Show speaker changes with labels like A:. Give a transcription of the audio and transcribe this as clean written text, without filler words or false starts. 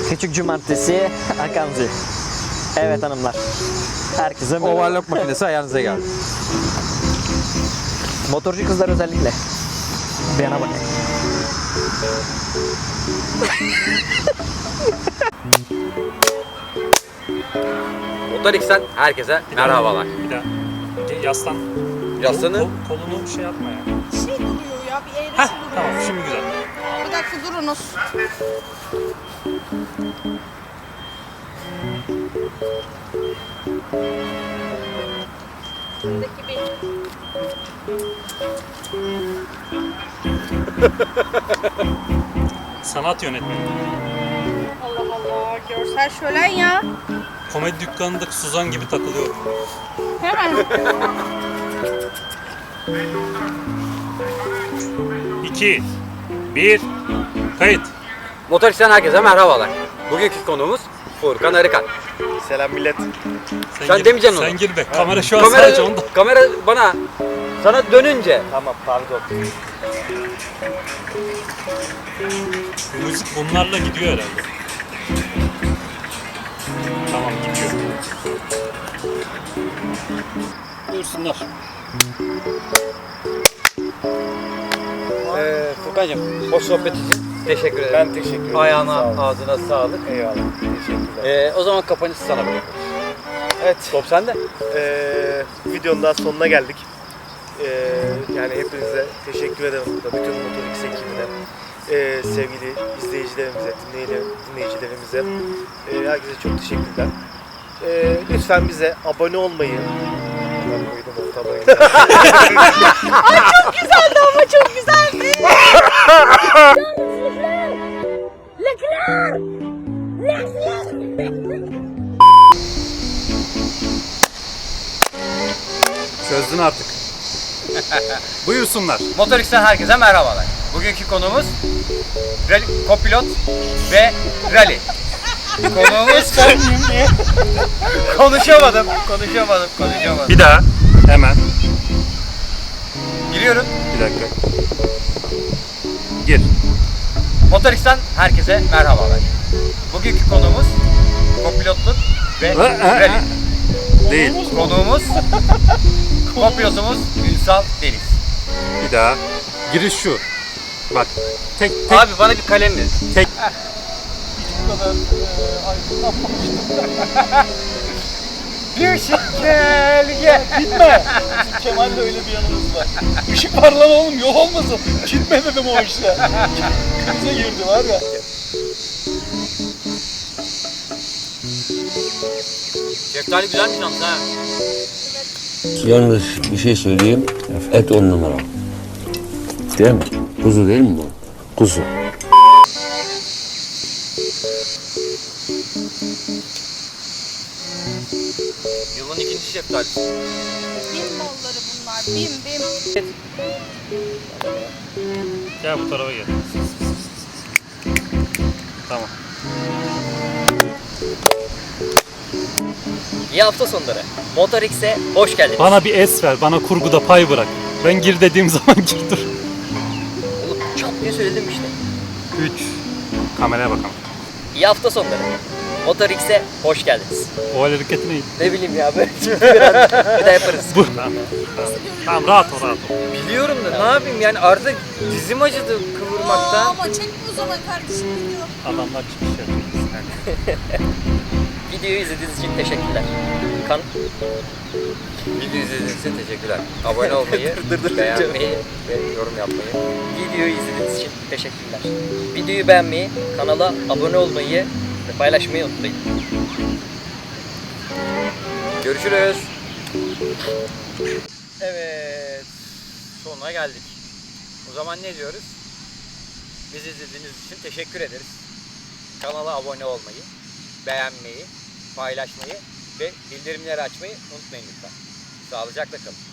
A: Küçük cumartesi Akanzi. Evet hanımlar. Herkese merhaba.
B: Overlock makinesi ayağınıza geldi.
A: Motorcu kızlar özellikle. Bir yana bak.
B: Motor X'ten herkese merhabalar.
C: Bir daha. Yaslan.
B: Yaslanın.
C: Kolunu şey yapma ya.
D: Şey duruyor ya, bir eğrisi
C: Heh,
D: duruyor.
C: tamam şimdi güzel.
D: Bir dakika durunuz. Şuradaki bir.
C: Sanat yönetmeni.
D: Allah Allah, görsel şölen ya.
C: Komedi dükkanındaki Suzan gibi takılıyor.
D: Hemen.
C: 2 1 Kayıt.
B: Motor X'ten herkese merhabalar. Bugünkü konuğumuz Furkan Arıkan.
E: Selam millet.
B: Sen demeyeceksin onu.
C: Sen gir be. Kamera şu an sadece onda.
B: Kamera bana sana dönünce
E: Tamam pardon.
C: Bu müzik bunlarla gidiyor herhalde. Tamam gidiyor. Buyursunlar.
B: Furkan'cığım hoş sohbet için teşekkür ederim.
E: Ben teşekkür ederim. Sağ
B: Ayağına
E: olun.
B: ağzına sağlık.
E: Eyvallah. Teşekkürler.
B: O zaman kapanışı sana bırakıyorum.
E: Evet.
B: Top sende.
E: Videonun daha sonuna geldik. Yani hepinize teşekkür ederim burada. Bütün Motor X ekibine. Sevgili izleyicilerimize, dinleyicilerimize. Herkese çok teşekkürler. Lütfen bize abone olmayı. Ben koydum ortalayı.
D: Çok güzeldi ama çok güzeldi.
C: Çözdün artık. Buyursunlar.
B: Motor X'ten herkese merhabalar. Bugünkü konuğumuz rally, kopilot ve rally. Konuğumuz konuşamadım.
C: Bir daha. Hemen.
B: Giriyorum.
C: Bir dakika. Gir.
B: Motor X'ten herkese merhabalar. Bugünkü konuğumuz kopilotluk ve rally.
C: Değil.
B: Konuğumuz kopilotumuz Ünsal Deniz.
C: Bir daha. Giriş şu. Bak. Tek.
B: Abi bana bir kalem ver.
C: Tek.
B: Bir şey gel.
E: Gitme. Bizim Kemal'le öyle bir yanımız var. Işık var lan oğlum, yol olmasın. Gitme dedim o işte. Krize girdi var ya.
B: Şeftali güzelmiş yalnız ha.
F: Yalnız bir şey söyleyeyim. Et 10 numara. Değil mi? Kuzu değil mi bu? Kuzu.
B: Yılın ikinci şeftalisi.
D: Bim malları bunlar, bim bim.
C: Gel bu tarafa gel. Tamam.
A: İyi hafta sonları. Motor X'e hoş geldiniz.
C: Bana bir es ver. Bana kurguda pay bırak. Ben gir dediğim zaman gir dur.
A: Oğlum çat diye söyledim işte.
C: 3. Kameraya bakalım.
A: İyi hafta sonları. Motor X'e hoş geldiniz.
C: O el hareketi neydi?
A: Ne bileyim ya böyle bir daha yaparız.
C: Bu. Tamam. Tamam rahat ol rahat ol.
B: Biliyorum da ne yapayım yani artık dizim acıdı kıvırmaktan.
D: Ama çekme o zaman kardeşim video.
C: Adamlar çıkış yapıyor.
A: Videoyu izlediğiniz için teşekkürler.
B: Video izlediğiniz için teşekkürler. Abone olmayı, beğenmeyi ve yorum yapmayı.
A: Videoyu izlediğiniz için teşekkürler. Videoyu beğenmeyi, kanala abone olmayı ve paylaşmayı unutmayın.
B: Görüşürüz. Evet. Sonuna geldik. O zaman ne diyoruz? Bizi izlediğiniz için teşekkür ederiz. Kanala abone olmayı, beğenmeyi, paylaşmayı ve bildirimleri açmayı unutmayın lütfen. Sağlıcakla kalın.